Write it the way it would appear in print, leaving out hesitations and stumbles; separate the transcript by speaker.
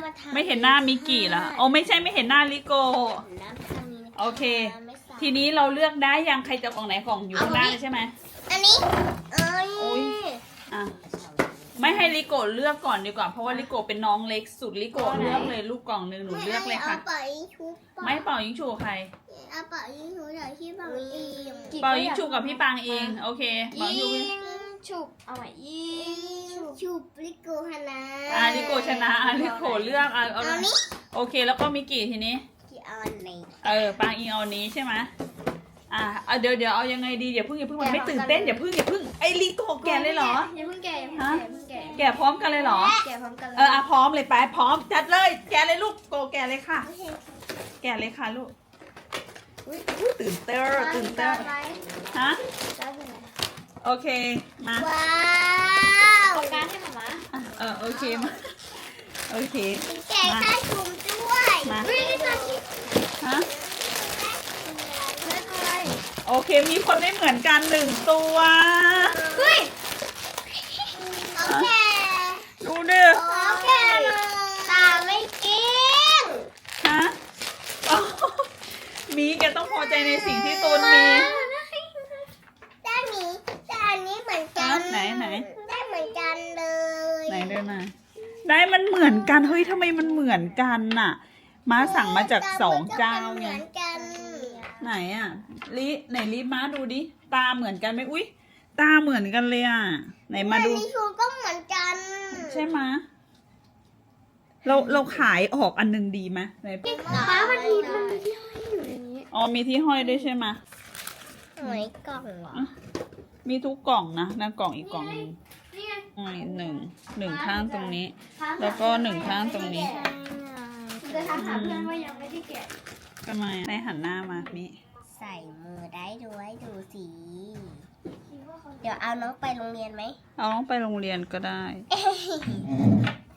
Speaker 1: ไม่เห็นหน้ามิกกี้เหรอโอ้ไม่ใช่ไม่เห็นหน้าลิโกโอเคทีนี้เราเลือกได้ยังใครจะกล่องไหนกล่องอยู่ข้างหน้าใช่ไหม
Speaker 2: อันนี้
Speaker 1: โอ้ยอ่ะไม่ให้ลิโกเลือกก่อนดีกว่าเพราะว่าลิโกเป็นน้องเล็กสุดลิโกเลือกเลยลูกกล่องหนึ่งหนูเลือกเลยค่ะไม่เป่ายิงฉุบใคร
Speaker 2: เป่ายิงฉุบจากที่เป่าเอง
Speaker 1: เป่ายิงฉุบกับพี่ปางเองโอเคเป่ายิง
Speaker 3: ฉุบเอาใหม่ยิง
Speaker 2: ฉุบลิโกชนะ
Speaker 1: ลิโกชนะลิโกเลือกเอานี้โอเคแล้วก็มิกกี้ทีนี้
Speaker 2: เอานี้
Speaker 1: ปางอิงเอานี้ใช่ไหมเดี๋ยวเอายังไงดีอย่าเพิ่งมันไม่ตื่นเต้นอย่าเพิ่งไอ้ลิโกแกเลยเหรอ
Speaker 3: อย่าเพิ่งแก
Speaker 1: แกพร้อมกันเลยเหรอ
Speaker 3: แกพร้อมกันเลย
Speaker 1: พร้อมเลยไปพร้อมจัดเลยแกเลยลูกโกแกเลยค่ะแกเลยค่ะลูกตื่นเต้นฮะโอเคมา
Speaker 2: ว้าว
Speaker 3: เอาการให้หมา
Speaker 1: โอเคมาโอเค
Speaker 2: แกะข้าวจุ่มด้วย
Speaker 1: มาฮะโอเคมีคนไม่เหมือนกัน1 ตัว
Speaker 2: เฮ้ยโอเค
Speaker 1: ดูดิ
Speaker 2: โอเคตาไม่กิน
Speaker 1: ฮะมีแกต้องพอใจในสิ่งที่ตนมี
Speaker 2: ได้มีแต่อันนี้เหมือนกัน
Speaker 1: ไหน
Speaker 2: ได้เหมือนกันเลย
Speaker 1: ไหนเดินมาได้มันเหมือนกันเฮ้ยทำไมมันเหมือนกันน่ะม้าสั่งมาจาก2 เจ้าไงไหนไหนม้าดูดิตาเหมือนกันไหมอุ้ยตาเหมือนกันเลยไหนมาดู
Speaker 2: ลิชูก็เหมือนกัน
Speaker 1: ใช่ไหมเราขายออกอันนึงดีไหมไหน
Speaker 3: ป้ามันมีที่ห้อยอยู่ในนี้
Speaker 1: มีที่ห้อยด้วยใช่ไหม
Speaker 2: หวยกล่องเหรอ
Speaker 1: มีทุกกล่องนะกล่องอีกกล่องนึงหนึ่งข้างตรงนี้แล้วก็1 ข้างตรงนี้
Speaker 3: จะถามเพื่อนว่ายังไม่ได้แกะ
Speaker 1: ทำไมในหันหน้ามามิ
Speaker 2: ใส่มือได้ด้วยดูสิเดี๋ยวเอาน้องไปโรงเรียนไหม
Speaker 1: เอาน้องไปโรงเรียนก็ได้